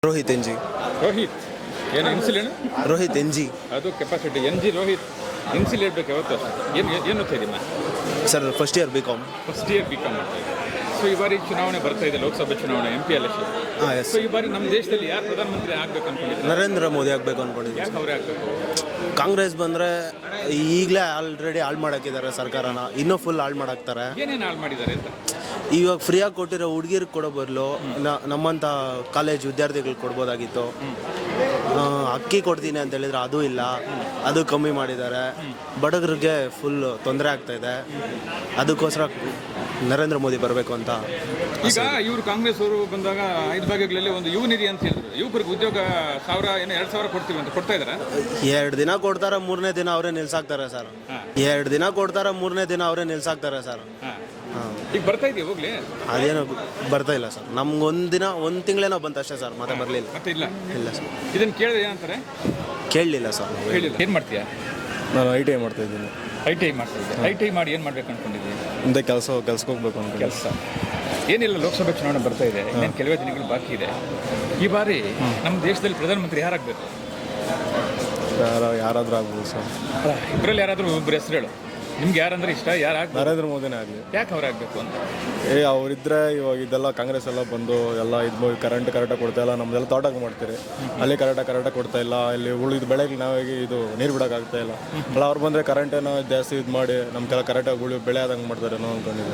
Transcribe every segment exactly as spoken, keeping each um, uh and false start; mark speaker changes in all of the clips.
Speaker 1: Rohit N G
Speaker 2: Rohit ಏನು initial ಏನು
Speaker 1: Rohit N G
Speaker 2: ಅದು capacity N G Rohit initial ಇರಬೇಕು ಯಾವತ್ತು ಅಷ್ಟೇ ಏನು ಏನು ಓದ್ತಾ ಇದೀಮ್ಮ
Speaker 1: sir first year B com
Speaker 2: first year B com ಮಾಡ್ತಾ ಇದ್ದೀನಿ. ಸೊ ಈ ಬಾರಿ ಚುನಾವಣೆ ಬರ್ತಾ ಇದೆ, ಲೋಕಸಭೆ ಚುನಾವಣೆ, ಎಂ ಪಿ ಎಲೆಕ್ಷನ್.
Speaker 1: ಹಾಂ ಎಸ್
Speaker 2: ಸೊ ಈ ಬಾರಿ ನಮ್ಮ ದೇಶದಲ್ಲಿ ಯಾರು ಪ್ರಧಾನಮಂತ್ರಿ ಆಗ್ಬೇಕು ಅನ್ಕೊಂಡಿದ್ದಾರೆ?
Speaker 1: ನರೇಂದ್ರ ಮೋದಿ ಆಗಬೇಕು ಅಂದ್ಕೊಂಡಿದ್ದೀನಿ.
Speaker 2: ಯಾಕೆ ಅವರೇ ಆಗಬೇಕು?
Speaker 1: ಕಾಂಗ್ರೆಸ್ ಬಂದರೆ ಈಗಲೇ ಆಲ್ರೆಡಿ ಹಾಳು ಮಾಡಾಕಿದ್ದಾರೆ ಸರ್ಕಾರನ, ಇನ್ನೂ ಫುಲ್ ಹಾಳು ಮಾಡಾಕ್ತಾರೆ.
Speaker 2: ಏನೇನು ಹಾಳು ಮಾಡಿದ್ದಾರೆ ಅಂತ?
Speaker 1: ಇವಾಗ ಫ್ರೀಯಾಗಿ ಕೊಟ್ಟಿರೋ ಹುಡುಗಿರಿಗೆ ಕೊಡೋ ಬದಲು ನಮ್ಮಂಥ ಕಾಲೇಜ್ ವಿದ್ಯಾರ್ಥಿಗಳಿಗೆ ಕೊಡ್ಬೋದಾಗಿತ್ತು. ಅಕ್ಕಿ ಕೊಡ್ತೀನಿ ಅಂತ ಹೇಳಿದ್ರೆ ಅದು ಇಲ್ಲ, ಅದು ಕಮ್ಮಿ ಮಾಡಿದ್ದಾರೆ. ಬಡಗರಿಗೆ ಫುಲ್ ತೊಂದರೆ ಆಗ್ತಾ ಇದೆ. ಅದಕ್ಕೋಸ್ಕರ ನರೇಂದ್ರ ಮೋದಿ ಬರಬೇಕು ಅಂತ.
Speaker 2: ಈಗ ಇವರು ಕಾಂಗ್ರೆಸ್ ಅವರು ಬಂದಾಗ ಐದು ಭಾಗಗಳಲ್ಲಿ ಒಂದು ಯುವ ನಿಧಿ ಅಂತ ಹೇಳಿದ್ರು, ಯುವಕರಿಗೆ ಉದ್ಯೋಗ ಸಾವಿರ ಏನೋ ಎರಡು ಸಾವಿರ ಕೊಡ್ತೀವಿ ಅಂತ ಕೊಡ್ತಾ ಇದ್ದಾರೆ.
Speaker 1: ಎರಡು ದಿನ ಕೊಡ್ತಾರೆ, ಮೂರನೇ ದಿನ ಅವರೇ ನಿಲ್ಸಾಕ್ತಾರೆ ಸರ್. ಎರಡು ದಿನ ಕೊಡ್ತಾರೆ, ಮೂರನೇ ದಿನ ಅವರೇ ನಿಲ್ಸಾಕ್ತಾರೆ ಸರ್. ಹಾಂ,
Speaker 2: ಈಗ ಬರ್ತಾ ಇದೆಯಾ ಹೋಗ್ಲಿ?
Speaker 1: ಅದೇನೋ ಬರ್ತಾ ಇಲ್ಲ ಸರ್. ನಮ್ಗೆ ಒಂದು ದಿನ ಒಂದು ತಿಂಗಳೇನೋ ಬಂತು ಅಷ್ಟೇ ಸರ್, ಮತ್ತೆ ಬರಲಿಲ್ಲ.
Speaker 2: ಮತ್ತೆ ಇಲ್ಲ
Speaker 1: ಇಲ್ಲ ಸರ್.
Speaker 2: ಇದನ್ನು ಕೇಳಿದ್ರೆ ಏನಂತಾರೆ?
Speaker 1: ಕೇಳಲಿಲ್ಲ ಸರ್.
Speaker 2: ಹೇಳಿಲ್ಲ. ಏನು ಮಾಡ್ತೀಯಾ?
Speaker 1: ನಾನು ಐ ಟಿ ಐ ಮಾಡ್ತಾ ಇದ್ದೀನಿ.
Speaker 2: ಐ ಟಿ ಐ ಮಾಡ್ತಾ ಇದ್ದೆ. ಐ ಟಿ ಐ ಮಾಡಿ ಏನು ಮಾಡ್ಬೇಕು ಅನ್ಕೊಂಡಿದ್ದೀನಿ?
Speaker 1: ಮುಂದೆ ಕೆಲಸ ಕೆಲ್ಸಕ್ಕೆ ಹೋಗ್ಬೇಕು ಅಂತ.
Speaker 2: ಕೆಲಸ ಏನಿಲ್ಲ, ಲೋಕಸಭೆ ಚುನಾವಣೆ ಬರ್ತಾ ಇದೆ, ಇನ್ನೇನು ಕೆಲವೇ ದಿನಗಳು ಬಾಕಿ ಇದೆ. ಈ ಬಾರಿ ನಮ್ಮ ದೇಶದಲ್ಲಿ ಪ್ರಧಾನಮಂತ್ರಿ ಯಾರಾಗಬೇಕು?
Speaker 1: ಯಾರ ಯಾರಾದರೂ ಆಗ್ಬೋದು ಸರ್.
Speaker 2: ಇಬ್ಬರಲ್ಲಿ ಯಾರಾದರೂ ಒಬ್ಬರು ಹೆಸರು ಹೇಳು. ನಿಮ್ಗೆ ಯಾರಂದ್ರೆ ಇಷ್ಟ? ಯಾರಾಗ?
Speaker 1: ನರೇಂದ್ರ ಮೋದಿನೇ ಆಗಲಿ.
Speaker 2: ಯಾಕೆ ಅವ್ರಾಗಬೇಕು ಅಂತ?
Speaker 1: ಏ ಅವರಿದ್ರೆ ಇವಾಗ ಇದೆಲ್ಲ ಕಾಂಗ್ರೆಸ್ ಎಲ್ಲ ಬಂದು ಎಲ್ಲ ಇದು ಕರೆಂಟ್ ಕರೆಕ್ಟಾಗಿ ಕೊಡ್ತಾ ಇಲ್ಲ, ನಮ್ದೆಲ್ಲ ತೋಟಕ್ಕೆ ಮಾಡ್ತೀರಿ, ಅಲ್ಲಿ ಕರೆಕ್ಟಾಗಿ ಕರೆಕ್ಟಾಗಿ ಕೊಡ್ತಾ ಇಲ್ಲ. ಇಲ್ಲಿ ಉಳಿದ ಬೆಳೆಗೆ ನಾವಾಗಿ ಇದು ನೀರು ಬಿಡೋಕ್ಕಾಗ್ತಾ ಇಲ್ಲ. ಅಲ್ಲ ಅವ್ರು ಬಂದರೆ ಕರೆಂಟೇನೋ ಜಾಸ್ತಿ ಇದು ಮಾಡಿ ನಮ್ಗೆಲ್ಲ ಕರೆಕ್ಟಾಗಿ ಉಳಿ ಬೆಳೆ ಆದಂಗೆ ಮಾಡ್ತಾರೇನೋ ಅಂದ್ಕೊಂಡಿದ್ದೆ.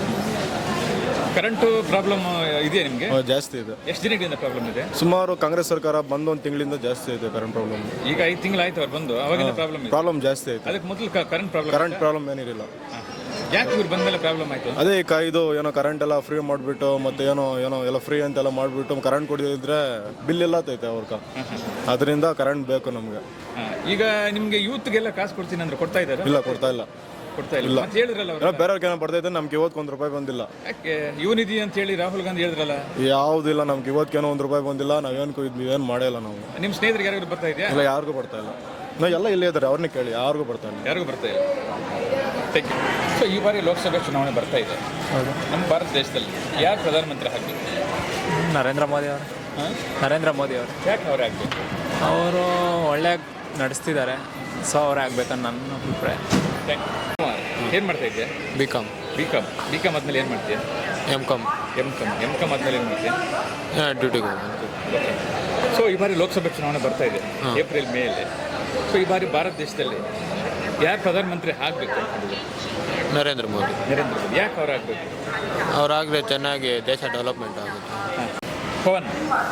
Speaker 2: ಕರೆಂಟು ಪ್ರಾಬ್ಲಮ್ ಇದೆಯಾ ನಿಮಗೆ?
Speaker 1: ಜಾಸ್ತಿ ಇದೆ.
Speaker 2: ಎಷ್ಟು ದಿನಗಳಿಂದ ಪ್ರಾಬ್ಲಮ್ ಇದೆ?
Speaker 1: ಸುಮಾರು ಕಾಂಗ್ರೆಸ್ ಸರ್ಕಾರ ಬಂದು ಒಂದು ತಿಂಗಳಿಂದ ಜಾಸ್ತಿ ಇದೆ ಕರೆಂಟ್ ಪ್ರಾಬ್ಲಮ್.
Speaker 2: ಈಗ ಐದು ತಿಂಗಳಾಯ್ತು ಅವ್ರು ಬಂದು, ಅವಾಗಿಂದ ಪ್ರಾಬ್ಲಮ್ ಇದೆ.
Speaker 1: ಪ್ರಾಬ್ಲಮ್ ಜಾಸ್ತಿ ಆಯ್ತು.
Speaker 2: ಅದಕ್ಕೆ ಮೊದಲು ಕರೆಂಟ್ ಪ್ರಾಬ್ಲಮ್
Speaker 1: ಕರೆಂಟ್ ಪ್ರಾಬ್ಲಮ್ ಏನಿರಲಿಲ್ಲ.
Speaker 2: ಯಾಕೆ ಇವ್ರು ಬಂದಮೇಲೆ ಪ್ರಾಬ್ಲಮ್ ಆಯಿತು?
Speaker 1: ಅದೇ ಕ ಇದು ಏನೋ ಕರೆಂಟ್ ಎಲ್ಲ ಫ್ರೀ ಮಾಡಿಬಿಟ್ಟು ಮತ್ತೆ ಏನೋ ಏನೋ ಎಲ್ಲ ಫ್ರೀ ಅಂತೆಲ್ಲ ಮಾಡಿಬಿಟ್ಟು ಕರೆಂಟ್ ಕೊಡಿದ್ರೆ ಬಿಲ್ ಎಲ್ಲ ತೈತೆ ಅವ್ರಕ. ಅದರಿಂದ ಕರೆಂಟ್ ಬೇಕು ನಮಗೆ.
Speaker 2: ಈಗ ನಿಮಗೆ ಯೂತ್ಗೆಲ್ಲ ಕಾಸು ಕೊಡ್ತೀನಿ ಅಂದ್ರೆ ಕೊಡ್ತಾ ಇದ್ದಾರೆ?
Speaker 1: ಇಲ್ಲ, ಕೊಡ್ತಾ ಇಲ್ಲ.
Speaker 2: ಕೊಡ್ತಾ ಇಲ್ಲ ಅಂತ ಹೇಳಿದ್ರಲ್ಲ ಅವರು.
Speaker 1: ಬೇರೆಯವ್ರಿಗೆ ಏನೋ ಬರ್ತಾ ಇದ್ದೆ, ನಮ್ಗೆ ಇವತ್ತು ಒಂದು ರೂಪಾಯಿ ಬಂದಿಲ್ಲ.
Speaker 2: ಯಾಕೆ? ಯುವ ನಿಧಿ ಅಂತ ಹೇಳಿ ರಾಹುಲ್ ಗಾಂಧಿ ಹೇಳಿದ್ರಲ್ಲ.
Speaker 1: ಯಾವುದಿಲ್ಲ, ನಮ್ಗೆ ಇವತ್ತೇನೋ ಒಂದು ರೂಪಾಯಿ ಬಂದಿಲ್ಲ. ನಾವೇನು ಇದು ಏನು ಮಾಡಿಲ್ಲ ನಾವು.
Speaker 2: ನಿಮ್ಮ ಸ್ನೇಹಿತರಿಗೆ ಯಾರಿಗೂ ಬರ್ತಾ ಇದೆಯಾ?
Speaker 1: ಇಲ್ಲ, ಯಾರಿಗೂ ಬರ್ತಾ ಇಲ್ಲ. ನಾವು ಎಲ್ಲ ಇಲ್ಲೇ ಇದ್ದಾರೆ, ಅವ್ರನ್ನೇ ಕೇಳಿ, ಯಾರಿಗೂ ಬರ್ತಾ ಇಲ್ಲ.
Speaker 2: ಯಾರಿಗೂ ಬರ್ತಾ ಇಲ್ಲ. Thank you. ಸೊ ಈ ಬಾರಿ ಲೋಕಸಭೆ ಚುನಾವಣೆ ಬರ್ತಾ ಇದೆ. ನಮ್ಮ ಭಾರತ ದೇಶದಲ್ಲಿ ಯಾರು ಪ್ರಧಾನಮಂತ್ರಿ ಆಗಬೇಕು?
Speaker 3: ನರೇಂದ್ರ ಮೋದಿ ಅವರು. ನರೇಂದ್ರ ಮೋದಿ ಅವರು.
Speaker 2: ಯಾಕೆ ಅವರೇ ಆಗಬೇಕು?
Speaker 3: ಅವರು ಒಳ್ಳೆ ನಡೆಸ್ತಿದ್ದಾರೆ, ಸೊ ಅವರೇ ಆಗ್ಬೇಕನ್ನ ನನ್ನ ಅಭಿಪ್ರಾಯ.
Speaker 2: Thank you. ಏನು ಮಾಡ್ತಾ ಇದೆಯಾ?
Speaker 3: B com.
Speaker 2: B com. B com ಆದಮೇಲೆ ಏನು ಮಾಡ್ತೀಯಾ?
Speaker 3: M com.
Speaker 2: M com. M com ಆದಮೇಲೆ ಏನು ಮಾಡ್ತೀಯಾ?
Speaker 3: ಡ್ಯೂಟಿಗೆ
Speaker 2: ಸೊ ಈ ಬಾರಿ ಲೋಕಸಭೆ ಚುನಾವಣೆ ಬರ್ತಾ ಇದೆ, ಏಪ್ರಿಲ್ ಮೇಯಲ್ಲಿ. ಸೊ ಈ ಬಾರಿ ಭಾರತ ದೇಶದಲ್ಲಿ ಯಾರು ಪ್ರಧಾನಮಂತ್ರಿ ಆಗಬೇಕು ಅನ್ಕೊಂಡಿದ್ರು?
Speaker 3: ನರೇಂದ್ರ ಮೋದಿ.
Speaker 2: ನರೇಂದ್ರ ಮೋದಿ. ಯಾಕೆ ಅವ್ರು ಆಗಬೇಕು?
Speaker 3: ಅವರಾಗಲೇ ಚೆನ್ನಾಗಿ ದೇಶ ಡೆವಲಪ್ಮೆಂಟ್ ಆಗುತ್ತೆ.
Speaker 2: ಪವನ್,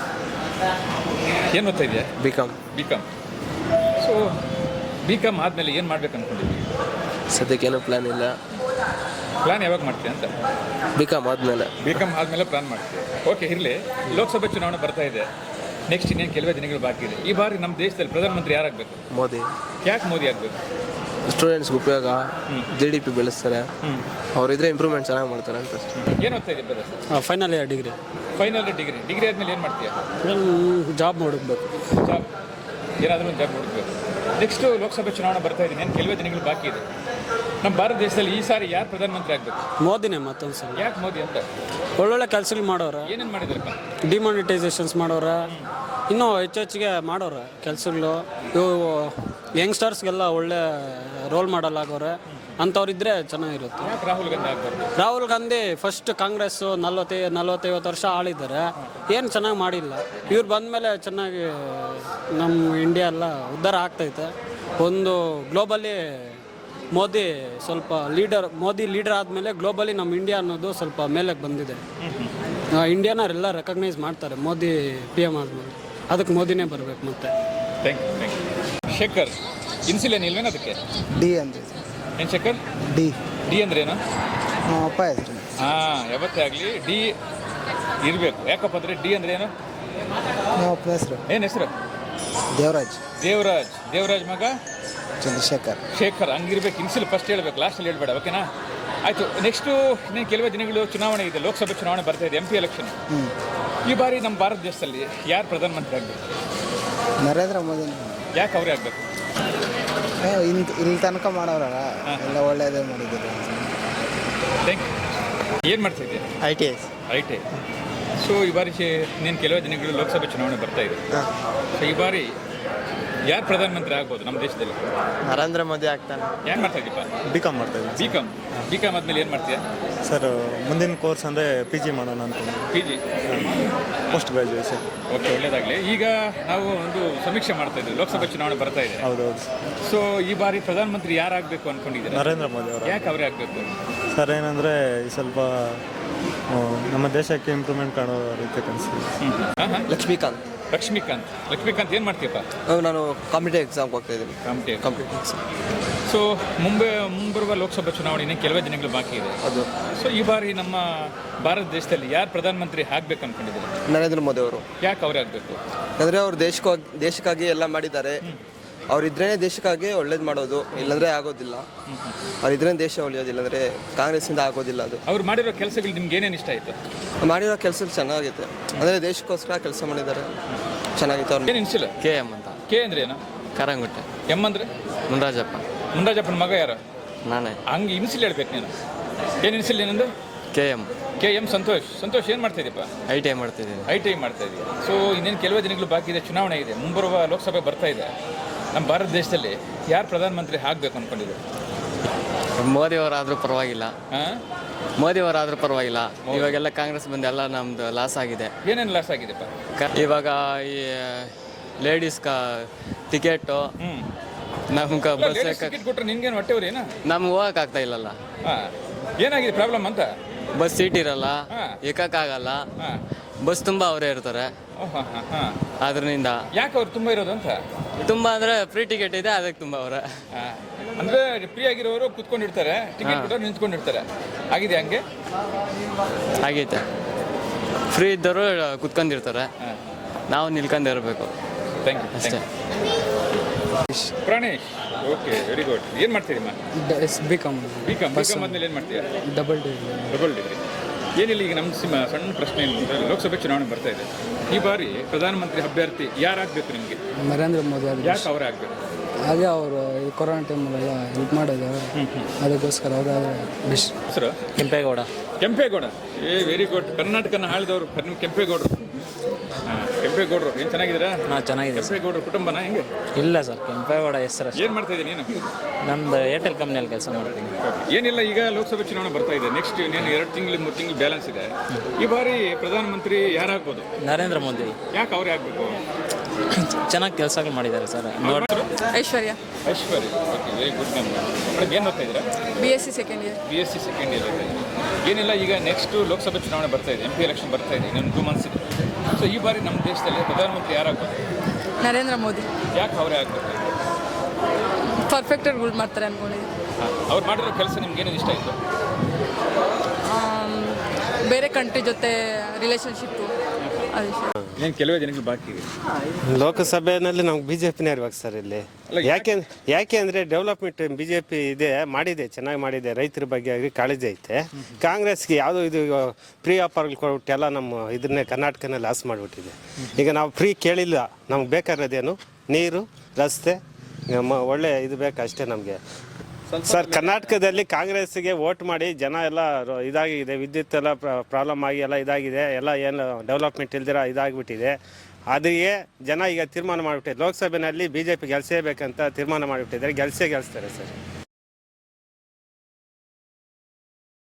Speaker 2: ಏನು ಓದ್ತಾ ಇದೆಯಾ?
Speaker 3: B com.
Speaker 2: B com. So B com ಆದಮೇಲೆ ಏನು ಮಾಡ್ಬೇಕು ಅಂದ್ಕೊಂಡಿದ್ವಿ?
Speaker 3: ಸದ್ಯಕ್ಕೇನು ಪ್ಲ್ಯಾನ್ ಇಲ್ಲ.
Speaker 2: ಪ್ಲಾನ್ ಯಾವಾಗ ಮಾಡ್ತೀಯ ಅಂತ?
Speaker 3: ಬಿ ಕಾಮ್ ಆದಮೇಲೆ.
Speaker 2: ಬಿ ಕಾಮ್ ಆದಮೇಲೆ ಪ್ಲಾನ್ ಮಾಡ್ತೀವಿ. ಓಕೆ, ಇರಲಿ. ಲೋಕಸಭೆ ಚುನಾವಣೆ ಬರ್ತಾ ಇದೆ, ನೆಕ್ಸ್ಟ್ ಇನ್ನೇನು ಕೆಲವೇ ದಿನಗಳು ಬಾಕಿ ಇದೆ. ಈ ಬಾರಿ ನಮ್ಮ ದೇಶದಲ್ಲಿ ಪ್ರಧಾನಮಂತ್ರಿ ಯಾರಾಗಬೇಕು?
Speaker 3: ಮೋದಿ.
Speaker 2: ಯಾಕೆ ಮೋದಿ ಆಗಬೇಕು?
Speaker 3: ಸ್ಟೂಡೆಂಟ್ಸ್ಗೆ ಉಪಯೋಗ, ಜಿ ಡಿ ಪಿ ಬೆಳೆಸ್ತಾರೆ, ಅವರಿದ್ರೆ ಇಂಪ್ರೂವ್ಮೆಂಟ್ ಚೆನ್ನಾಗಿ ಮಾಡ್ತಾರೆ ಅಂತ.
Speaker 2: ಏನು ಓದ್ತಾ ಇದೆ brother?
Speaker 4: Final year degree.
Speaker 2: Final degree. Degree ಆದಮೇಲೆ ಏನು ಮಾಡ್ತೀಯಾ?
Speaker 4: ಜಾಬ್ ಹುಡುಕ್ಬೇಕು.
Speaker 2: ಜಾಬ್, ಏನಾದರೂ ಒಂದು ಜಾಬ್ ಹುಡುಕ್ಬೇಕು. ನೆಕ್ಸ್ಟು ಲೋಕಸಭೆ ಚುನಾವಣೆ ಬರ್ತಾ ಇದೆ, ಏನು ಕೆಲವೇ ದಿನಗಳು ಬಾಕಿ ಇದೆ. ನಮ್ಮ ಭಾರತ ದೇಶದಲ್ಲಿ ಈ ಸಾರಿ ಯಾರು ಪ್ರಧಾನಮಂತ್ರಿ ಆಗಬೇಕು?
Speaker 4: ಮೋದಿನೇ ಮತ್ತೊಂದು ಸಲ.
Speaker 2: ಯಾಕೆ ಮೋದಿ ಅಂತ?
Speaker 4: ಒಳ್ಳೊಳ್ಳೆ ಕೆಲಸಗಳು ಮಾಡೋರ,
Speaker 2: ಏನೇನು ಮಾಡಿದ್ರಪ್ಪ?
Speaker 4: ಡಿಮಾನಿಟೈಸೇಷನ್ಸ್ ಮಾಡೋರ, ಇನ್ನೂ ಹೆಚ್ಚು ಹೆಚ್ಚಿಗೆ ಮಾಡೋರ ಕೆಲಸಗಳು. ಇವು ಯಂಗ್ಸ್ಟರ್ಸ್ಗೆಲ್ಲ ಒಳ್ಳೆ ರೋಲ್ ಮಾಡಲ್ ಆಗೋರೆ ಅಂಥವ್ರಿದ್ರೆ ಚೆನ್ನಾಗಿರುತ್ತೆ.
Speaker 2: ಯಾಕೆ ರಾಹುಲ್ ಗಾಂಧಿ ಆಗ್ಬಾರ್ದು?
Speaker 4: ರಾಹುಲ್ ಗಾಂಧಿ ಫಸ್ಟ್ ಕಾಂಗ್ರೆಸ್ಸು ನಲ್ವತ್ತೈ ನಲ್ವತ್ತೈವತ್ತು ವರ್ಷ ಆಳಿದ್ದಾರೆ, ಏನು ಚೆನ್ನಾಗಿ ಮಾಡಿಲ್ಲ. ಇವ್ರು ಬಂದಮೇಲೆ ಚೆನ್ನಾಗಿ ನಮ್ಮ ಇಂಡಿಯಾ ಎಲ್ಲ ಉದ್ಧಾರ ಆಗ್ತೈತೆ. ಒಂದು ಗ್ಲೋಬಲಿ ಮೋದಿ ಸ್ವಲ್ಪ ಲೀಡರ್, ಮೋದಿ ಲೀಡರ್ ಆದಮೇಲೆ ಗ್ಲೋಬಲಿ ನಮ್ಮ ಇಂಡಿಯಾ ಅನ್ನೋದು ಸ್ವಲ್ಪ ಮೇಲಕ್ಕೆ ಬಂದಿದೆ. ಇಂಡಿಯಾನವರೆಲ್ಲ ರೆಕಗ್ನೈಸ್ ಮಾಡ್ತಾರೆ ಮೋದಿ ಪಿ ಎಮ್ ಆದಮೇಲೆ. ಅದಕ್ಕೆ ಮೋದಿನೇ ಬರಬೇಕು ಮತ್ತೆ.
Speaker 2: Thank you. Thank you. Shekhar, initial ಇಲ್ವೇನು ಅದಕ್ಕೆ?
Speaker 5: ಡಿ ಅಂದರೆ
Speaker 2: ಏನು ಶೇಖರ್?
Speaker 5: ಡಿ.
Speaker 2: ಡಿ ಅಂದ್ರೆ ಏನು?
Speaker 5: ನಮ್ಮ ಅಪ್ಪ ಹೆಸರು.
Speaker 2: ಹಾಂ, ಯಾವತ್ತೇ ಆಗಲಿ ಡಿ ಇರಬೇಕು. ಯಾಕಪ್ಪ ಅಂದರೆ ಡಿ ಅಂದ್ರೆ ಏನು?
Speaker 5: ನಮ್ಮ ಅಪ್ಪನ ಹೆಸರು
Speaker 2: ಏನು ಹೆಸರು?
Speaker 5: ದೇವರಾಜ್.
Speaker 2: ದೇವರಾಜ್. ದೇವರಾಜ್ ಮಗ
Speaker 5: ಚಂದ್ರಶೇಖರ್.
Speaker 2: ಶೇಖರ್. ಹಂಗಿರ್ಬೇಕು. ಇನ್ಸಿಲ್ ಫಸ್ಟ್ ಹೇಳ್ಬೇಕು, ಲಾಸ್ಟಲ್ಲಿ ಹೇಳ್ಬೇಡ, ಓಕೆನಾ? ಆಯಿತು. ನೆಕ್ಸ್ಟು ಇನ್ನೇನು ಕೆಲವೇ ದಿನಗಳು ಚುನಾವಣೆ ಇದೆ, ಲೋಕಸಭೆ ಚುನಾವಣೆ ಬರ್ತಾ ಇದೆ, ಎಂ ಪಿ ಎಲೆಕ್ಷನ್. ಈ ಬಾರಿ ನಮ್ಮ ಭಾರತ ದೇಶದಲ್ಲಿ ಯಾರು ಪ್ರಧಾನಮಂತ್ರಿ ಆಗಬೇಕು?
Speaker 5: ನರೇಂದ್ರ ಮೋದಿ.
Speaker 2: ಯಾಕೆ ಅವರೇ ಆಗಬೇಕು?
Speaker 5: ಇನ್ ಇಲ್ಲಿ ತನಕ ಮಾಡೋರಲ್ಲ, ಎಲ್ಲ ಒಳ್ಳೆಯದೇ ಮಾಡಿದ್ದಾರೆ.
Speaker 2: Thank you. ಏನು ಮಾಡ್ತಿದ್ದೆ?
Speaker 5: I T I.
Speaker 2: I T I. So ಈ ಬಾರಿ ಇನ್ನೇನು ಕೆಲವೇ ದಿನಗಳು ಲೋಕಸಭೆ ಚುನಾವಣೆ ಬರ್ತಾ ಇದೆ. ಸೊ ಈ ಬಾರಿ ಯಾರು ಪ್ರಧಾನಮಂತ್ರಿ ಆಗ್ಬೋದು ನಮ್ಮ ದೇಶದಲ್ಲಿ?
Speaker 5: ನರೇಂದ್ರ ಮೋದಿ ಆಗ್ತಾನೆ.
Speaker 2: ಏನು ಮಾಡ್ತಾ ಇದ್ದೀಪ?
Speaker 6: ಬಿ ಕಾಮ್ ಮಾಡ್ತಾ ಇದ್ದೀನಿ
Speaker 2: ಬಿ ಕಾಮ್ ಬಿ ಕಾಮ್ ಆದಮೇಲೆ ಏನು ಮಾಡ್ತೀಯಾ?
Speaker 6: ಸರ್. ಮುಂದಿನ ಕೋರ್ಸ್ ಅಂದರೆ ಪಿ ಜಿ ಮಾಡೋಣ ಅಂದ್ಕೊಂಡು
Speaker 2: P G
Speaker 6: post graduation.
Speaker 2: Okay, ಒಳ್ಳೇದಾಗಲಿ. ಈಗ ನಾವು ಒಂದು ಸಮೀಕ್ಷೆ ಮಾಡ್ತಾ ಇದ್ವಿ, ಲೋಕಸಭೆ ಚುನಾವಣೆ ಬರ್ತಾ ಇದೆ.
Speaker 6: ಹೌದೌದು.
Speaker 2: ಸೊ ಈ ಬಾರಿ ಪ್ರಧಾನಮಂತ್ರಿ ಯಾರಾಗಬೇಕು ಅನ್ಕೊಂಡಿದ್ದೀರಾ?
Speaker 6: ನರೇಂದ್ರ ಮೋದಿ ಅವರು.
Speaker 2: ಯಾಕೆ ಅವರೇ ಆಗಬೇಕು?
Speaker 6: ಸರ್ ಏನಂದರೆ ಸ್ವಲ್ಪ ಆ, ನಮ್ಮ ದೇಶಕ್ಕೆ ಇಂಪ್ರೂವ್ಮೆಂಟ್ ಕಾಣೋ ರೀತಿ ಕನಿಸ್ತೀವಿ.
Speaker 2: ಹಾಂ ಹಾಂ
Speaker 3: ಲಕ್ಷ್ಮೀಕಾಂತ್.
Speaker 2: ಲಕ್ಷ್ಮೀಕಾಂತ್ ಲಕ್ಷ್ಮೀಕಾಂತ್ ಏನು ಮಾಡ್ತೀಯಪ್ಪ?
Speaker 3: ನಾನು ಕಾಂಪಿಟೇಟಿವ್ ಎಕ್ಸಾಮ್ಗೆ ಹೋಗ್ತಾ ಇದ್ದೀನಿ.
Speaker 2: ಕಾಂಪಿಟೇಟಿವ್.
Speaker 3: Competitive exam.
Speaker 2: ಸೊ ಮುಂಬೈ ಮುಂಬರುವ ಲೋಕಸಭಾ ಚುನಾವಣೆ ಕೆಲವೇ ದಿನಗಳು ಬಾಕಿ ಇದೆ.
Speaker 3: ಅದು
Speaker 2: ಸೊ ಈ ಬಾರಿ ನಮ್ಮ ಭಾರತ ದೇಶದಲ್ಲಿ ಯಾರು ಪ್ರಧಾನಮಂತ್ರಿ ಆಗಬೇಕು ಅನ್ಕೊಂಡಿದ್ದಾರೆ?
Speaker 3: ನರೇಂದ್ರ ಮೋದಿ ಅವರು.
Speaker 2: ಯಾಕೆ ಅವರೇ ಆಗಬೇಕು?
Speaker 3: ಅಂದರೆ ಅವ್ರು ದೇಶಕ್ಕಾಗಿ ದೇಶಕ್ಕಾಗಿ ಎಲ್ಲ ಮಾಡಿದ್ದಾರೆ. ಅವರಿದ್ರೇ ದೇಶಕ್ಕಾಗಿ ಒಳ್ಳೇದು ಮಾಡೋದು, ಇಲ್ಲಾಂದರೆ ಆಗೋದಿಲ್ಲ. ಅವರಿದ್ರೇ ದೇಶ ಉಳಿಯೋದಿಲ್ಲ, ಅಂದರೆ ಕಾಂಗ್ರೆಸ್ಸಿಂದ ಆಗೋದಿಲ್ಲ. ಅದು
Speaker 2: ಅವ್ರು ಮಾಡಿರೋ ಕೆಲಸಗಳು ನಿಮ್ಗೆ ಏನೇನು ಇಷ್ಟ ಆಯಿತು?
Speaker 3: ಮಾಡಿರೋ ಕೆಲಸ ಚೆನ್ನಾಗೈತೆ, ಅಂದರೆ ದೇಶಕ್ಕೋಸ್ಕರ ಕೆಲಸ ಮಾಡಿದ್ದಾರೆ, ಚೆನ್ನಾಗಿತ್ತು. ಅವ್ರು
Speaker 2: ಏನು ಅನಿಸಿಲ್ಲ?
Speaker 3: ಕೆ ಎಮ್ ಅಂತ.
Speaker 2: ಕೆ ಅಂದ್ರೆ ಏನು?
Speaker 3: ಕರಂಗುಟ್ಟೆ.
Speaker 2: ಎಮ್ ಅಂದರೆ
Speaker 3: ಮುನ್ರಾಜಪ್ಪ.
Speaker 2: ಮುಂಡಾಜಪ್ಪನ ಮಗ ಯಾರು?
Speaker 3: ನಾನೇ.
Speaker 2: ಹಂಗೆ ಇನ್ಸಿಲ್ ಹೇಳ್ಬೇಕು ನೀನು. ಏನು ಇನ್ಸಿಲ್ ಏನಂದು?
Speaker 3: K M.
Speaker 2: K M Santosh. Santosh ಏನು ಮಾಡ್ತಾ ಇದೀಯಪ್ಪ?
Speaker 3: ಐ ಟಿ ಐ ಮಾಡ್ತಿದ್ದೀನಿ.
Speaker 2: ಐ ಟಿ ಐ ಮಾಡ್ತಾ ಇದೀಯ. ಸೊ ಇನ್ನೇನು ಕೆಲವೇ ದಿನಗಳು ಬಾಕಿ ಇದೆ, ಚುನಾವಣೆ ಇದೆ, ಮುಂಬರುವ ಲೋಕಸಭೆ ಬರ್ತಾ ಇದೆ. ನಮ್ಮ ಭಾರತ ದೇಶದಲ್ಲಿ ಯಾರು ಪ್ರಧಾನಮಂತ್ರಿ ಆಗಬೇಕು ಅಂದ್ಕೊಂಡಿದ್ದಾರೆ?
Speaker 3: ಮೋದಿಯವರಾದರೂ ಪರವಾಗಿಲ್ಲ.
Speaker 2: ಹಾಂ,
Speaker 3: ಮೋದಿಯವರಾದರೂ ಪರವಾಗಿಲ್ಲ. ಇವಾಗೆಲ್ಲ ಕಾಂಗ್ರೆಸ್ ಬಂದು ಎಲ್ಲ ನಮ್ಮದು ಲಾಸ್ ಆಗಿದೆ.
Speaker 2: ಏನೇನು ಲಾಸ್ ಆಗಿದೆಪ್ಪ?
Speaker 3: ಕ- ಇವಾಗ ಈ ಲೇಡೀಸ್ ಕ ಟಿಕೆಟು
Speaker 2: ಹ್ಞೂ,
Speaker 3: ನಮ್ಗೆ ಬಸ್
Speaker 2: ಟಿಕೆಟ್ ಕೊಟ್ಟರೆ ನಿನ್ಗೇನು ಹೊಟ್ಟೆವ್ರಿ ಏನೋ?
Speaker 3: ನಮ್ಗೆ ಹೋಗೋಕ್ಕಾಗ್ತಾ ಇಲ್ಲಲ್ಲ.
Speaker 2: ಹಾಂ, ಏನಾಗಿದೆ ಪ್ರಾಬ್ಲಮ್ ಅಂತ?
Speaker 3: ಬಸ್ ಸೀಟ್ ಇರಲ್ಲ,
Speaker 2: ಹಾಂ.
Speaker 3: ಏಕಕ್ಕಾಗಲ್ಲ.
Speaker 2: ಹಾಂ,
Speaker 3: ಬಸ್ ತುಂಬ ಅವರೇ ಇರ್ತಾರೆ.
Speaker 2: ಹಾಂ ಹಾಂ ಹಾಂ.
Speaker 3: ಅದರಿಂದ
Speaker 2: ಯಾಕೆ ಅವ್ರು ತುಂಬ ಇರೋದು ಅಂತ?
Speaker 3: ತುಂಬ ಅಂದರೆ ಫ್ರೀ ಟಿಕೆಟ್ ಇದೆ, ಅದಕ್ಕೆ ತುಂಬ ಅವರ.
Speaker 2: ಹಾಂ, ಅಂದರೆ ಫ್ರೀ ಆಗಿರೋರು ಕುತ್ಕೊಂಡಿರ್ತಾರೆ, ಟಿಕೆಟ್ ಕೊಟ್ಟವ್ರು ನಿಂತ್ಕೊಂಡಿರ್ತಾರೆ. ಆಗಿದೆ ಹಂಗೆ?
Speaker 3: ಆಗೈತೆ. ಫ್ರೀ ಇದ್ದವರು ಕುತ್ಕೊಂಡಿರ್ತಾರೆ,
Speaker 2: ಹಾಂ,
Speaker 3: ನಾವು ನಿಲ್ಕೊಂಡಿರ್ಬೇಕು
Speaker 2: ಥ್ಯಾಂಕ್ ಯು
Speaker 3: ಅಷ್ಟೇ.
Speaker 2: Pranesh, okay, very good. ಏನು ಮಾಡ್ತೀರಿಮ್ಮ?
Speaker 4: B com
Speaker 2: B com. B com ಆದ್ಮೇಲೆ ಏನು ಮಾಡ್ತೀಯಾ?
Speaker 4: Double degree.
Speaker 2: Double degree. ಏನಿಲ್ಲ, ಈಗ ನಮ್ಮ ಸಿಮ ಸಣ್ಣ ಪ್ರಶ್ನೆ ಏನು ಅಂದರೆ, ಲೋಕಸಭೆ ಚುನಾವಣೆ ಬರ್ತಾ ಇದೆ. ಈ ಬಾರಿ ಪ್ರಧಾನಮಂತ್ರಿ ಅಭ್ಯರ್ಥಿ ಯಾರಾಗಬೇಕು ನಿಮಗೆ?
Speaker 4: ನರೇಂದ್ರ ಮೋದಿ ಅವರು.
Speaker 2: ಯಾಕೆ ಅವರೇ ಆಗಬೇಕು?
Speaker 4: ಹಾಗೆ ಅವರು ಈ ಕೊರೋನಾ ಟೈಮಲ್ಲೆಲ್ಲ ಹೆಲ್ಪ್ ಮಾಡಿದ್ದಾರೆ, ಅದಕ್ಕೋಸ್ಕರ ಅವರಾದರೆ ಬೆಸ್ಟ್.
Speaker 2: ಹೆಸರು?
Speaker 3: ಕೆಂಪೇಗೌಡ.
Speaker 2: ಕೆಂಪೇಗೌಡ. ಏ ವೆರಿ ಗುಡ್. ಕರ್ನಾಟಕನ ಆಳಿದವರು ನಿಮ್ಮ ಕೆಂಪೇಗೌಡರು. ಹಾಂ, ಕೆಂಪೇಗೌಡರು. ಏನು ಚೆನ್ನಾಗಿದ್ದೀರಾ?
Speaker 7: ಹಾಂ, ಚೆನ್ನಾಗಿದೆ ಸರ್.
Speaker 2: ಕೆಂಪೇಗೌಡರ ಕುಟುಂಬನ ಹೆಂಗೆ?
Speaker 7: ಇಲ್ಲ ಸರ್, ಕೆಂಪೇಗೌಡ ಹೆಸರು.
Speaker 2: ಏನು ಮಾಡ್ತಾ ಇದ್ದೀನಿ ನೀನು?
Speaker 7: ನಮ್ದು ಏರ್ಟೆಲ್ ಕಂಪ್ನಿಯಲ್ಲಿ ಕೆಲಸ ಮಾಡ್ತೀನಿ.
Speaker 2: ಏನಿಲ್ಲ, ಈಗ ಲೋಕಸಭೆ ಚುನಾವಣೆ ಬರ್ತಾ ಇದೆ. ನೆಕ್ಸ್ಟ್ ಇನ್ನೇನು ಎರಡು ತಿಂಗಳು ಮೂರು ತಿಂಗಳು ಬ್ಯಾಲೆನ್ಸ್ ಇದೆ. ಈ ಬಾರಿ ಪ್ರಧಾನಮಂತ್ರಿ ಯಾರಾಗ್ಬೋದು?
Speaker 7: ನರೇಂದ್ರ ಮೋದಿ.
Speaker 2: ಯಾಕೆ ಅವರೇ ಆಗಬೇಕು?
Speaker 7: ಚೆನ್ನಾಗಿ ಕೆಲಸಗಳು ಮಾಡಿದ್ದಾರೆ ಸರ್. ನೋಡಿ,
Speaker 8: Aishwarya.
Speaker 2: Aishwarya. Okay, very good. ನಮ್ಮ ಮೇಡಮ್ ಏನು ಓದ್ತಾ ಇದ್ದೀರಾ?
Speaker 8: B S C second year.
Speaker 2: B S C second year ಓದ್ತಾ ಇದ್ದೀರಾ. ಏನಿಲ್ಲ, ಈಗ ನೆಕ್ಸ್ಟು ಲೋಕಸಭೆ ಚುನಾವಣೆ ಬರ್ತಾ ಇದೆ, ಎಂ ಪಿ ಎಲೆಕ್ಷನ್ ಬರ್ತಾ ಇದೆ, ಇನ್ನೊಂದು ಟೂ ಮಂತ್ಸ್ ಇದೆ. ಸೊ ಈ ಬಾರಿ ನಮ್ಮ ದೇಶದಲ್ಲಿ ಪ್ರಧಾನಮಂತ್ರಿ ಯಾರಾಗ್ಬೋದು?
Speaker 8: ನರೇಂದ್ರ ಮೋದಿ.
Speaker 2: ಯಾಕೆ ಅವರೇ ಆಗಬೇಕು?
Speaker 8: ಪರ್ಫೆಕ್ಟಾಗಿ ರೂಲ್ ಮಾಡ್ತಾರೆ ಅಂದ್ಕೊಂಡಿದ್ದೀನಿ.
Speaker 2: ಹಾಂ, ಅವ್ರು ಮಾಡಿರೋ ಕೆಲಸ ನಿಮ್ಗೆ ಏನೇನು ಇಷ್ಟ ಆಯಿತು?
Speaker 8: ಆಮ್, ಬೇರೆ ಕಂಟ್ರಿ ಜೊತೆ ರಿಲೇಷನ್ಶಿಪ್ಪು ಅದು ಇಷ್ಟ.
Speaker 2: ಏನು ಕೆಲವೇ ದಿನಗಳು ಬಾಕಿ ಇದೆ.
Speaker 9: ಲೋಕಸಭೆಯಲ್ಲಿ ನಮ್ಗೆ ಬಿ ಜೆ ಪಿನೇ ಇರ್ಬೇಕು ಸರ್ ಇಲ್ಲಿ.
Speaker 2: ಅಲ್ಲ,
Speaker 9: ಯಾಕೆ ಯಾಕೆ ಅಂದರೆ ಡೆವಲಪ್ಮೆಂಟ್ ಬಿ ಜೆ ಪಿ ಇದೆ, ಮಾಡಿದೆ, ಚೆನ್ನಾಗಿ ಮಾಡಿದೆ. ರೈತರ ಬಗ್ಗೆ ಆಗಿ ಕಾಳಜಿ ಐತೆ. ಕಾಂಗ್ರೆಸ್ಗೆ ಯಾವುದೋ ಇದು ಫ್ರೀ ಆಫರ್ಗಳು ಕೊಟ್ಬಿಟ್ಟು ಎಲ್ಲ ನಮ್ಮ ಇದನ್ನೇ ಕರ್ನಾಟಕನೇ ಲಾಸ್ ಮಾಡಿಬಿಟ್ಟಿದೆ. ಈಗ ನಾವು ಫ್ರೀ ಕೇಳಿಲ್ಲ, ನಮ್ಗೆ ಬೇಕಾಗಿರೋದೇನು ನೀರು, ರಸ್ತೆ, ನಮ್ಮ ಒಳ್ಳೆ ಇದು ಬೇಕು ಅಷ್ಟೇ ನಮಗೆ ಸರ್. ಕರ್ನಾಟಕದಲ್ಲಿ ಕಾಂಗ್ರೆಸ್ಗೆ ವೋಟ್ ಮಾಡಿ ಜನ ಎಲ್ಲ ರ- ಇದಾಗಿದೆ, ವಿದ್ಯುತ್ ಎಲ್ಲ ಪ್ರಾಬ್ಲಮ್ ಆಗಿ ಎಲ್ಲ ಇದಾಗಿದೆ, ಎಲ್ಲ ಏನು ಡೆವಲಪ್ಮೆಂಟ್ ಇಲ್ದಿರ ಇದಾಗಿಬಿಟ್ಟಿದೆ. ಅದಕ್ಕೆ ಜನ ಈಗ ತೀರ್ಮಾನ ಮಾಡಿಬಿಟ್ಟಿದೆ, ಲೋಕಸಭೆಯಲ್ಲಿ ಬಿ ಜೆ ಪಿ ಗೆಲ್ಸೇಬೇಕಂತ ತೀರ್ಮಾನ ಮಾಡಿಬಿಟ್ಟಿದ್ದಾರೆ. ಗೆಲ್ಸೇ ಗೆಲ್ಸ್ತಾರೆ ಸರ್.